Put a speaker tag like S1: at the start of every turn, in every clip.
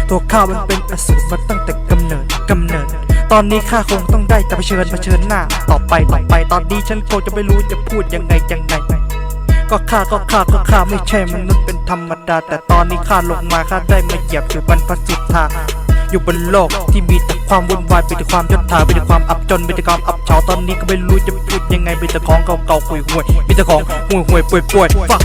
S1: ตัวข้ามันเป็นอสูรมาตั้งแต่กำเนิดตอนนี้ข้าคงต้องได้แต่เผชิญหน้าต่อไปตอนนี้ฉันคงจะไม่รู้จะพูดยังไงก็ข้าไม่ใช่มนุษย์เป็นธรรมดาแต่ตอนนี้ข้าลงมาข้าได้มาเหยียบสู่บรรพสุทธาอยู่บนโลกที่มีแต่ความวุ่นวายมีแต่ความยศถามีแต่ความอับจนมีแต่ความอับเฉาตอนนี้ก็ไม่รู้จะพูดยังไงมีแต่ของเก่าๆห่วยมีแต่ของห่วยป่วยฟัก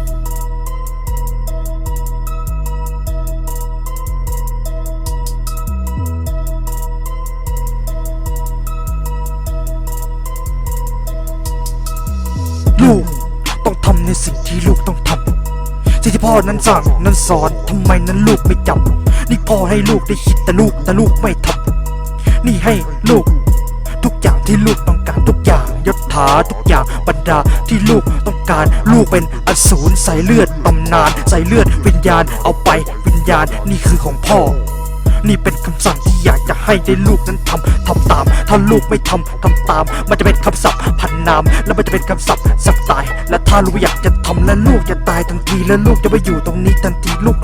S1: ลูกต้องทำในสิ่งที่ลูกต้องทำสิ่งที่พ่อนั้นสั่งนั้นสอนทำไมนั้นลูกไม่จำนี่พ่อให้ลูกได้คิดแต่ลูกไม่ทำนี่ให้ลูกทุกอย่างที่ลูกต้องการทุกอย่างยศถาทุกอย่างบรรดาที่ลูกต้องการลูกเป็นอสูรใส่เลือดตำนานใส่เลือดวิญญาณเอาไปวิญญาณนี่คือของพ่อนี่เป็นคำสั่งที่อยากจะให้ได้ลูกนั้นทำตามถ้าลูกไม่ทำตามมันจะเป็นคำศัพท์พันนามแล้วมันจะเป็นคำศัพท์สักตายและถ้าลูกอยากจะทำและลูกจะตายทันทีและลูกจะไปอยู่ตรงนี้ทันทีลูก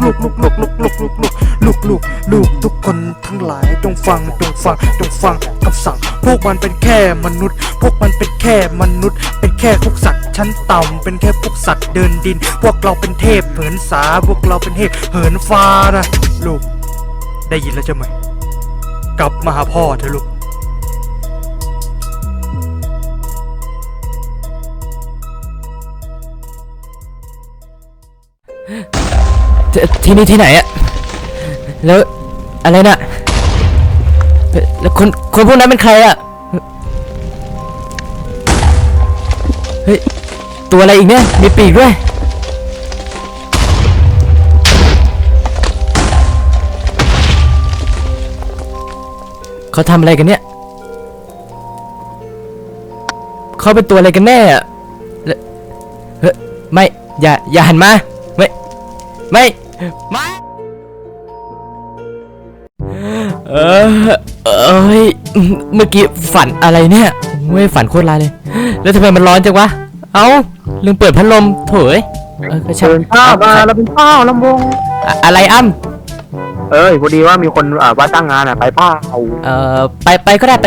S1: ทุกคนทั้งหลายจงฟังคำสั่งพวกมันเป็นแค่มนุษย์เป็นแค่พวกสัตว์ชั้นต่ำเป็นแค่พวกสัตว์เดินดินพวกเราเป็นเทพเหินสาพวกเราเป็นเทพเหินฟ้านะลูกได้ยินแล้วใช่ไหมกลับมาหาพ่อเถอะลูก
S2: ที่นี่ที่ไหนอะแล้วอะไรน่ะแล้วคนพวกนั้นเป็นใครอะเฮ้ยตัวอะไรอีกเนี่ยมีปีกด้วยเขาทำอะไรกันเนี่ยเขาเป็นตัวอะไรกันแน่อะเฮ้ยไม่อย่าหันมาไม่เมื่อกี้ฝันอะไรเนี่ยไม่ฝันโคตรร้ายเลยแล้วทำไมมันร้อนจังวะเอ้าลืมเปิดพัดลมโถ่ก็ช่าง
S3: เป็นข้าวมาแล้วเป็นข้าวลำวง
S2: อะไร
S3: พอดีว่ามีคนว่าจ้างงานไปเปล่า
S2: ไปก็ได้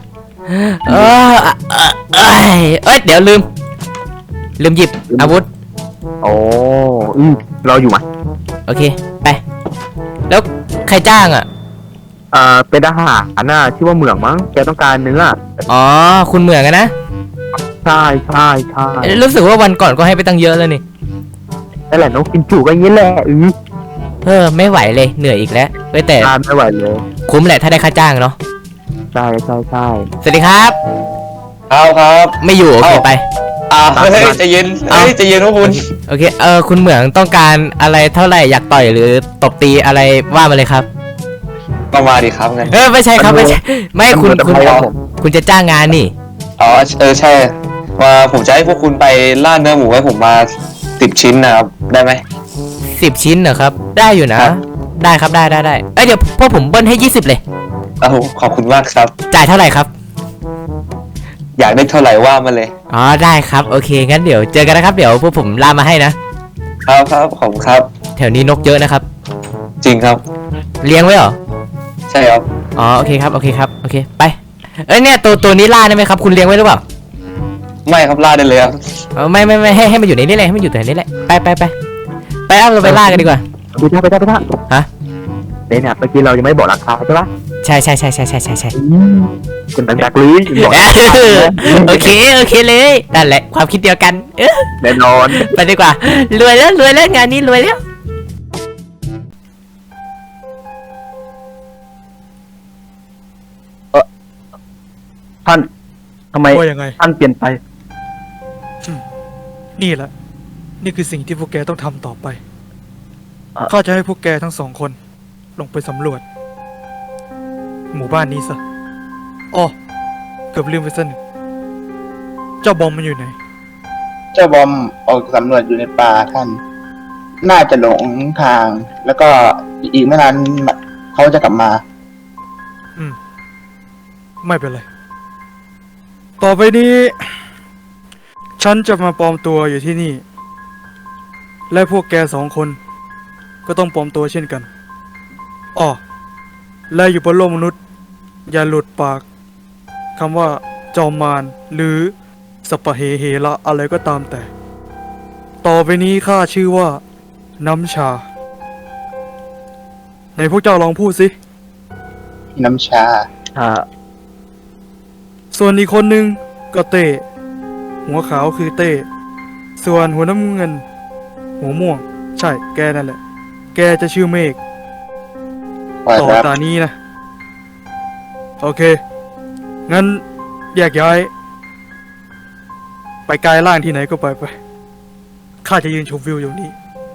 S2: เดี๋ยวลืมหยิบอาวุธ
S3: โอ้รออยู่ไหม
S2: โอเคไปแล้วใครจ้างอ่ะ
S3: เป็นทหารน่ะชื่อว่าเหมืองมั้งแกต้องการเนื้อ
S2: อ๋อคุณเหมืองนะ
S3: ใช่
S2: รู้สึกว่าวันก่อนก็ให้ไปตั้งเยอะแล้วนี่
S3: นั่นแหละน้องกินจุก็อย่างนี้แหละ
S2: ไม่ไหวเลยเหนื่อยอีกแล้วแต่
S3: ไม่ไหวเลย
S2: คุ้มแหละถ้าได้ค่าจ้างเนาะ
S3: ใช่
S2: สวัสดีครับ
S4: ครับ
S2: ไม่อยู่โอเคไป
S4: เฮ้ยใจเย็นพวกคุณ
S2: โอเคคุณเหมืองต้องการอะไรเท่าไหร่อยากต่อยหรือตบตีอะไรว่ามาเลยครับ
S4: ก็มาดิครับงั้น
S2: ไม่ใช่ครับไม่คุณจะจ้างงานนี่
S4: ใช่ว่าผมจะให้พวกคุณไปล่าเนื้อหมูให้ผมมา10 ชิ้นนะครับได้ไหม
S2: 10 ชิ้นเหรอครับได้อยู่นะได้ครับได้เดี๋ยวพวกผมเบิ้ลให้20เลย
S4: ขอบคุณมากครับ
S2: จ่ายเท่าไหร่ครับ
S4: อยากได้เท่าไหร่ว่ามาเลย
S2: ได้ครับโอเคงั้นเดี๋ยวเจอกันนะครับเดี๋ยวพวกผมล่ามาให้นะครับ
S4: ขอบคุณครับ
S2: แถวนี้นกเยอะนะครับ
S4: จริงครับ
S2: เลี้ยงไว้เหรอ
S4: ใช่ครับ
S2: โอเคครับโอเคไปเนี่ยตัวนี้ล่าได้ไหมครับคุณเลี้ยงไว้หรือเปล่า
S4: ไม่ครับล่าได้เลยครับ
S2: ไม่ให้มันอยู่ในนี้เลยให้มันอยู่แต่นี้แหละไปเราไปล่ากันดีกว่า
S3: ไปท่า
S2: ฮะ
S3: เนี่ยเมื่อกี้เรายังไม่บอกราคาใช่ปะ
S2: ใช่
S3: คุณตังจากลุย
S2: โอเคเลยนั่นแหละความคิดเดียวกัน
S3: แน่นอน
S2: ไปดีกว่ารวยแล้วงานนี้รวยแล้ว
S3: ท่านทำไมท่านเปลี่ยนไป
S1: นี่แหละนี่คือสิ่งที่พวกแกต้องทำต่อไปข้าจะให้พวกแกทั้ง2 คนลงไปสำรวจหมู่บ้านนี้ซะเกือบลืมไปซะหนึ่งเจ้าบอมมันอยู่ไหน
S5: เจ้าบอมออกสำรวจอยู่ในป่าท่านน่าจะหลงทางแล้วก็อีกไม่นานเขาจะกลับมา
S1: ไม่เป็นไรต่อไปนี้ฉันจะมาปลอมตัวอยู่ที่นี่และพวกแก2 คนก็ต้องปลอมตัวเช่นกันอ๋อและอยู่บนโลกมนุษย์ อย่าหลุดปากคำว่าจอมมารหรือสปะเหเหระอะไรก็ตามแต่ ต่อไปนี้ข้าชื่อว่าน้ำชาไหนพวกเจ้าลองพูดสิ
S5: น้ำชา
S1: ส่วนอีกคนนึงก็เต้หัวขาวคือเต้ส่วนหัวน้ำเงิน หัวม่วง ใช่แกนั่นแหละ แกจะชื่อเมฆ
S5: ปล่อย
S1: ต่อ
S5: ครับ
S1: ตานี้นะ โอเค งั้นแยกย้าย ไปกายล่างที่ไหนก็ไปข้าจะยืนชมวิวอยู่นี่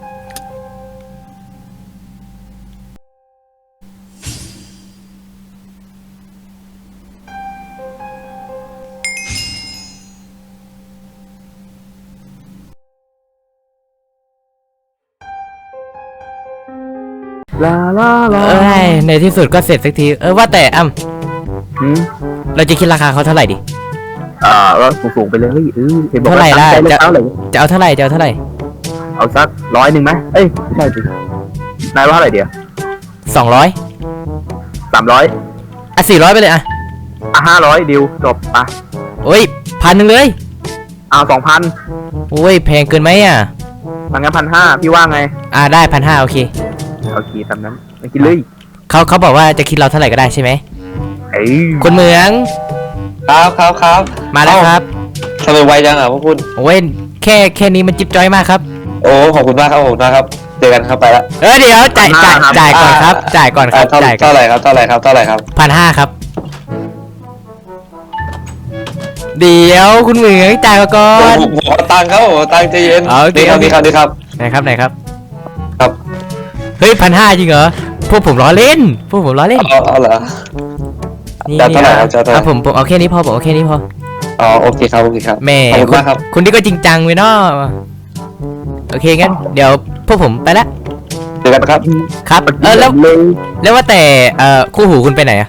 S3: ลาลาลา
S2: เอ้ยในที่สุดก็เสร็จสักทีว่าแต่
S3: หืม
S2: เราจะคิดราคาเขาเท่าไหร่ดิ
S3: ก็สูงๆไปเลยเห็นบอก
S2: เท่าไหร่
S3: ว่า
S2: ล่ะ
S3: ตั้งใจ
S2: จะ
S3: เท่าไหร่
S2: จะเอาเท่าไหร่จะเอาเท่าไหร่
S3: เอาสัก100ไหมเอ้ยไม่ใช่สินายว่าเท่าไหร่เดียว
S2: 200
S3: 300
S2: อ่ะ400ไปเลยอ่ะ
S3: 500ดิวจบไป
S2: โอ้ย1,000เลย
S3: เอา2,000
S2: โอ้ยแพงเกินไหมอ่ะ
S3: ทางงั้น1,500พี่ว่าไง
S2: ได้1,500โอเค
S3: โอเคตามนั้นไปกินเลย
S2: เขาบอกว่าจะคิดเราเท่าไหร่ก็ได้ใช่ไหม
S3: เอ้ย
S2: คุณเหมือง
S4: ครับ
S2: มาแล้วครับ
S4: ทำไมไวจังอ่ะพวกคุณ
S2: โอ้ยแค่นี้มันจิ๊บจ้อยมากครับ
S4: โอ้ขอบคุณมากครับผมนะครับเจอกันครับไปละ
S2: เดี๋ยวจ่ายก่อนครับจ่ายก่อนครับจ่ายก่อน
S4: เท่าไหร่ครับ
S2: 1,500ครับ เดี๋ยวคุณเหมืองจ่ายมาก่อน
S4: ผมขอตังค์ครับผมตังค์ใจเย็น
S2: โอเค
S4: นี่ครับ
S2: ไหนครับ
S4: ครับ
S2: เฮ้ย1,500จริงเหรอพวกผมล้อเล่น
S4: เอาเหรอ
S2: นี่
S4: จะเท่าไหร่ครับจะเท่าไหร่
S2: ผมเอาแค่นี้พอผมเอาแค่นี้พอ
S4: อ๋อโอเคครับ
S2: แม่
S4: ขอบคุณมากครับ
S2: คุณนี่ก็จริงจังเว้ยเนาะโอเคงั้นเดี๋ยวพวกผมไปละ
S4: เจอกันครับ
S2: ครับแล้ว
S3: เลย
S2: แล้วว่าแต่คู่หูคุณไปไหนอะ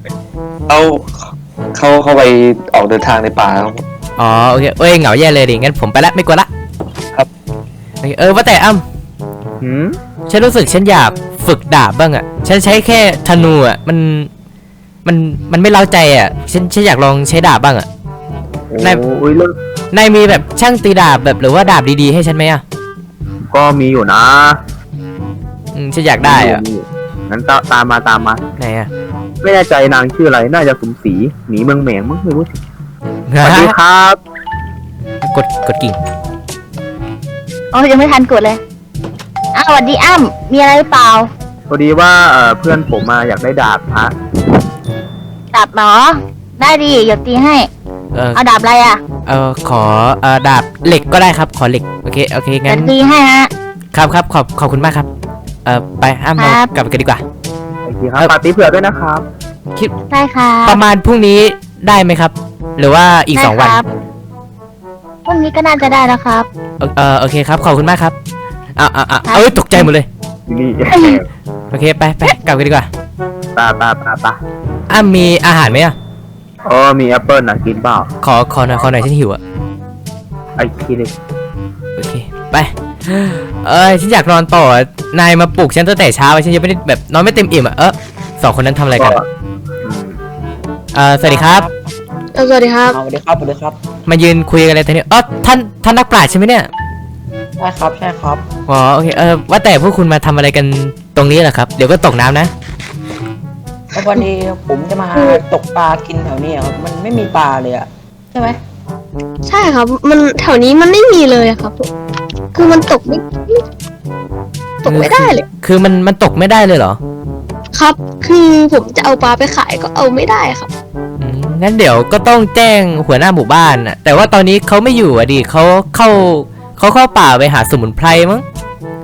S4: เขาไปออกเดินทางในป่าครับ
S2: อ๋อโอเคเอ้ยเหงาแย่เลยดิงั้นผมไปละไม่กลัวละ
S4: ครับ
S2: โอเคว่าแต่
S3: หืม
S2: ฉันรู้สึกฉันอยากฝึกดาบบ้างอะฉันใช้แค่ธนูอะมันไม่เล้าใจอะฉันอยากลองใช้ดาบบ้างอะ นาย
S3: โอ้ยเรื่อง
S2: นายมีแบบช่างตีดาบแบบหรือว่าดาบดีๆให้ฉันไหมอะ
S3: ก็มีอยู่นะ
S2: ฉันอยากได้อะ
S3: มียู่งั้นตามมา
S2: ไหนอะ
S3: ไม่แน่ใจนางชื่ออะไร น่าจะสมศรีหนีเมืองแหมงมั้งไม่รู้สิสวัสดีครับ
S2: กดกิ่ง
S6: โอ้ยังไม่ทันกดเลยสวัสดีอ้ำมีอะไรหรือเปล่า
S3: พอดีว่าเพื่อนผมมาอยากได้ดาบฮะ
S6: ดาบหมอ ได้ดีเดี๋ยวตีให้
S2: เออ
S6: เอาดาบอะไรอ่ะ
S2: ขอดาบเหล็กก็ได้ครับขอเหล็กโอเคงั้
S6: เดี๋ยวน ตีให้ฮะ
S2: ครับขอบคุณมากครับไปเรา
S6: ครับ
S2: กลับกันดีกว่า
S3: โอเคครับปาร์ตี้เผื่อด้วยนะครับ
S2: คิด
S6: ได้ค่ะ
S2: ประมาณพรุ่งนี้ได้ไหมครับ หรือว่าอีก2 วัน
S6: พรุ่งนี้ก็น่าจะได้แล้วครับ
S2: โอเคครับขอบคุณมากครับเอ้ยตกใจหมดเลย
S3: นี่
S2: โอเคไปกลับกันดีกว่า
S3: ตา
S2: มีอาหารไหมอ่ะ
S3: มีแอปเปิลนะกินเปล่า
S2: ขอหน่อยฉันหิวอ่ะ
S3: ไอ้ทีนึง
S2: โอเคไปฉันอยากนอนต่อนายมาปลุกฉันตั้งแต่เช้าฉันยังไม่ได้แบบนอนไม่เต็มอิ่มอ่ะสองคนนั้นทำอะไรกันสวัสดีครับ
S6: สวัสดีครับ
S7: สวัสดีครับ
S2: มายืนคุยกันอะไรทีนี้ท่านนักปราชญ์ใช่ไหมเนี่ย
S7: ใช่ครับ
S2: อ๋อโอเคว่าแต่พวกคุณมาทำอะไรกันตรงนี้เหรอครับเดี๋ยวก็ตกน้ำนะ
S7: แล้ววันนี้ผมจะมาตกปลากินแถวนี้ครับ มันไม่มีปลาเลยอะใช่ไหม
S8: ใช่ครับ มันแถวนี้มันไม่มีเลยอะครับ คือมันตกไม่ได้เลย
S2: คือมันตกไม่ได้เลยเหรอ
S8: ครับ คือผมจะเอาปลาไปขายก็เอาไม่ได้ครับ
S2: งั้นเดี๋ยวก็ต้องแจ้งหัวหน้าหมู่บ้านน่ะแต่ว่าตอนนี้เขาไม่อยู่อ่ะดิเขาเข้าป่าไปหาสมุนไพรมั้ง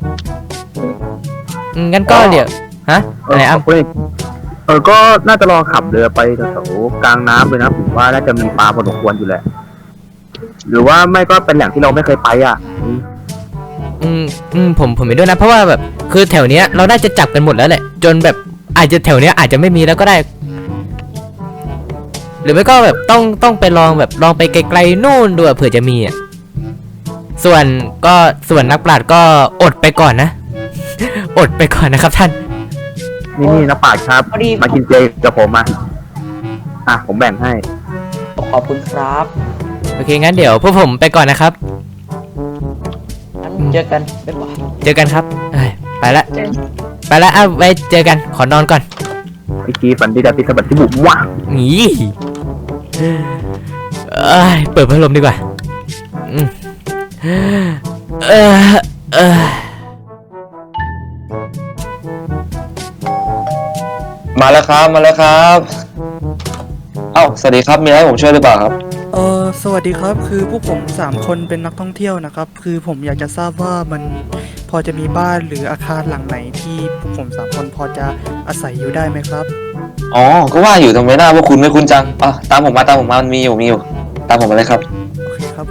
S2: งั้นก็เดี๋ยวฮะอะไรอ่ะ
S3: ก็น่าจะลองขับเรือไปแถวๆกลางน้ำเลยนะผมว่าน่าจะมีปลาพอสมควรอยู่แหละ หรือว่าไม่ก็เป็นแหล่งที่เราไม่เคยไปอ่ะ
S2: ผมเห็นด้วยนะเพราะว่าแบบคือแถวเนี้ยเราน่าจะจับกันหมดแล้วแหละจนแบบอาจจะแถวเนี้ยอาจจะไม่มีแล้วก็ได้ หรือไม่ก็แบบต้องไปลองไปไกลๆนู่นดูเผื่อจะมีอ่ะส่วนนักปราชญ์ก็อดไปก่อนนะ อดไปก่อนนะครับท่าน
S3: นี่นะปาดครับ
S7: พอดี
S3: มากินเจกับผมมาผมแบ่งให้
S7: ขอบคุณครับ
S2: โอเคงั้นเดี๋ยวพวกผมไปก่อนนะครับ
S7: งั้นเจอกันบ๊ายบาย
S2: เจอกันครับเอ้ยไปละไว้เจอกันขอนอนก่อน
S3: ไอ้กีฝันดีแต่ติดสะบัดที่บุ๋มว่ะ
S2: หนีเปิดพัดลมดีกว่าอืมเออ
S4: มาแล้วครับมาแล้วครับเอ้าสวัสดีครับมีอะไรให้ผมช่วยหรือเปล่าครับ
S1: สวัสดีครับคือพวกผม3คนเป็นนักท่องเที่ยวนะครับคือผมอยากจะทราบว่ามันพอจะมีบ้านหรืออาคารหลังไหนที่พวกผม3คนพอจะอาศัยอยู่ได้ไหมครับ
S4: อ๋อก็ว่าอยู่ทำไมหน้าพวกคุณไม่คุ้นจังตามผมมามันมีอยู่ตามผมมาเลยครับ
S1: โอเคครับผม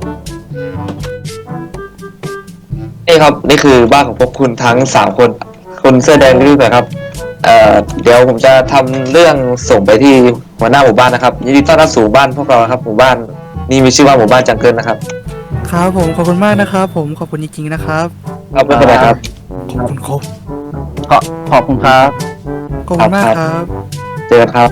S4: นี่ครับนี่คือบ้านของพวกคุณทั้ง3คนคุณเสื้อแดงนี่ด้วยครับเดี๋ยวผมจะทำเรื่องส่งไปที่หัวหน้าหมู่บ้านนะครับยินดีต้อนรับสู่บ้านพวกเราครับหมู่บ้านนี่มีชื่อว่าหมู่บ้านจังเกิลนะครับ
S1: ครับผมขอบคุณมากนะครับผมขอบคุณจริงๆนะครับ
S4: ครับไม่เป็นไรครับ
S1: ขอบคุณครับ
S3: ขอบคุณครับ
S1: ขอบคุณมากครับ
S4: เจอกันครับ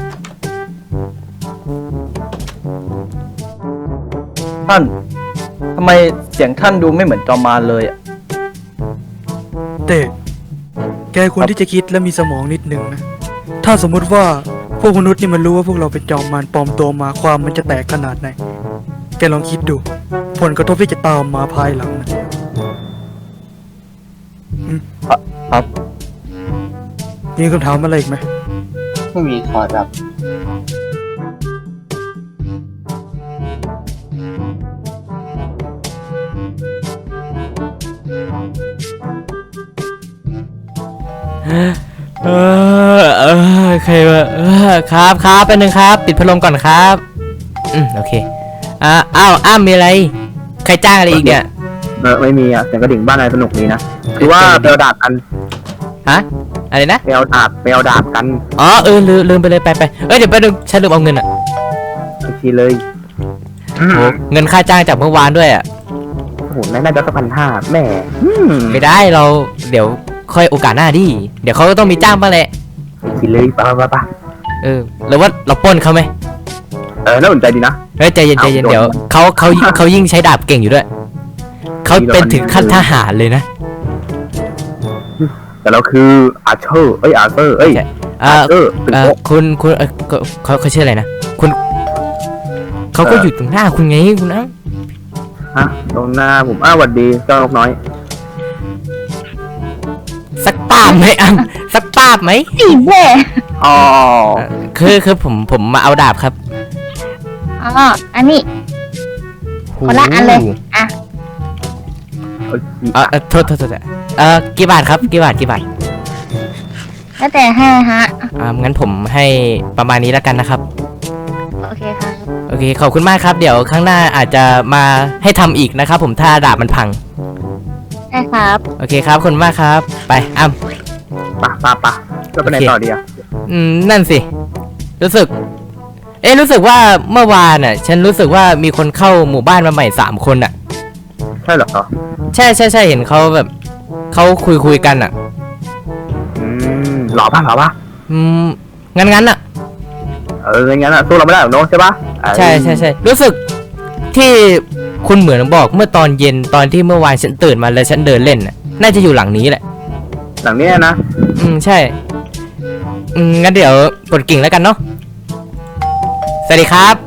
S9: ท่านทำไมเสียงท่านดูไม่เหมือนจอมมารเลยอะ
S1: แต่แกควรที่จะคิดและมีสมองนิดนึงนะ ถ้าสมมุติว่าพวกมนุษย์นี่มันรู้ว่าพวกเราเป็นจอมมารปลอมตัวมาความมันจะแตกขนาดไหน แกลองคิดดู ผลกระทบที่จะตามมาภายหลังนะ
S9: ครับ
S1: มีคำถามอะไรอีกไหม
S5: ไม่มีขอรับ
S2: ใครวะครับแป๊บนึงครับปิดพัดลมก่อนครับโอเคอ้าวมีอะไรใครจ้างอะไรอีกเนี่ย
S3: ไม่มีเสียงกระดิ่งบ้านอะไรสนุกดีนะคือว่าไปเอาดาบกัน
S2: ฮะอะไรนะ
S3: ไปเอาดาบกัน
S2: อ๋อลืมไปเลยไปเดี๋ยวไปดูฉันลืมเอาเงินอ่ะ
S3: อีกทีเลย
S2: โหเงินค่าจ้างจากเมื่อวานด้วยอ่ะ
S3: โอ้โหน่าจะ1,500แม่
S2: ไม่ได้เราเดี๋ยวค่อยโอกาสหน้าดิเดี๋ยวเขาก็ต้องมีจ้างบ้างแหละ
S3: อีกทีเลยไป
S2: หรือว่าเราปล้นเขาไหม
S3: น่าสนใจดีนะ
S2: เฮ้ยใจเย็น
S3: เอาโดน
S2: เดี๋ยวเขายิ่งใช้ดาบเก่งอยู่ด้วยเขาเป็นถึงขั้นทหารเลยนะ
S3: แต่เราคืออาร์เธอร์อาร์เธอร์ เป็นโป๊ะ
S2: คุณเขาชื่ออะไรนะคุณเขาก็อยู่ตรงหน้าคุณไงคุณนะ
S3: ฮะตรงหน้าผมสวัสดีเจ้านกน้อย
S2: สักป้าบไหมสักป้าบไหม
S6: สีแม่
S3: อ๋อ
S2: คือผมมาเอาดาบครับ
S6: อ๋ออันนี้ คนละอันเลย อ่ะ
S2: โทษกี่บาทครับกี่บาท
S6: แล้วแต่ให้ฮะ
S2: งั้นผมให้ประมาณนี้แล้วกันนะครับ
S6: โอเคครับ
S2: โอเคขอบคุณมากครับเดี๋ยวข้างหน้าอาจจะมาให้ทำอีกนะครับผมถ้าดาบมันพัง
S6: ได้ครับ
S2: โอเคครับขอบคุณมากครับไป
S3: ปะจะไปไหนต่อดีอ่ะ
S2: นั่นสิรู้สึกว่าเมื่อวานน่ะฉันรู้สึกว่ามีคนเข้าหมู่บ้านมาใหม่3 คนอ่ะ
S3: ใช่เหรอ
S2: ใช่เห็นเขาแบบเขาคุยกันอ่ะ
S3: หล่อปะ
S2: งั้นอ่ะ
S3: งั้นอ่ะสู้เราไม่ได้หรอกเนาะใช่ปะ
S2: ใช่รู้สึกที่คุณเหมือนบอกเมื่อตอนเย็นตอนที่เมื่อวานฉันตื่นมาแล้วฉันเดินเล่นน่ะน่าจะอยู่หลังนี้แหละ
S3: หลังนี้นะ
S2: ใช่งั้นเดี๋ยวกดกิ่งแล้วกันเนาะสวัสดีครับ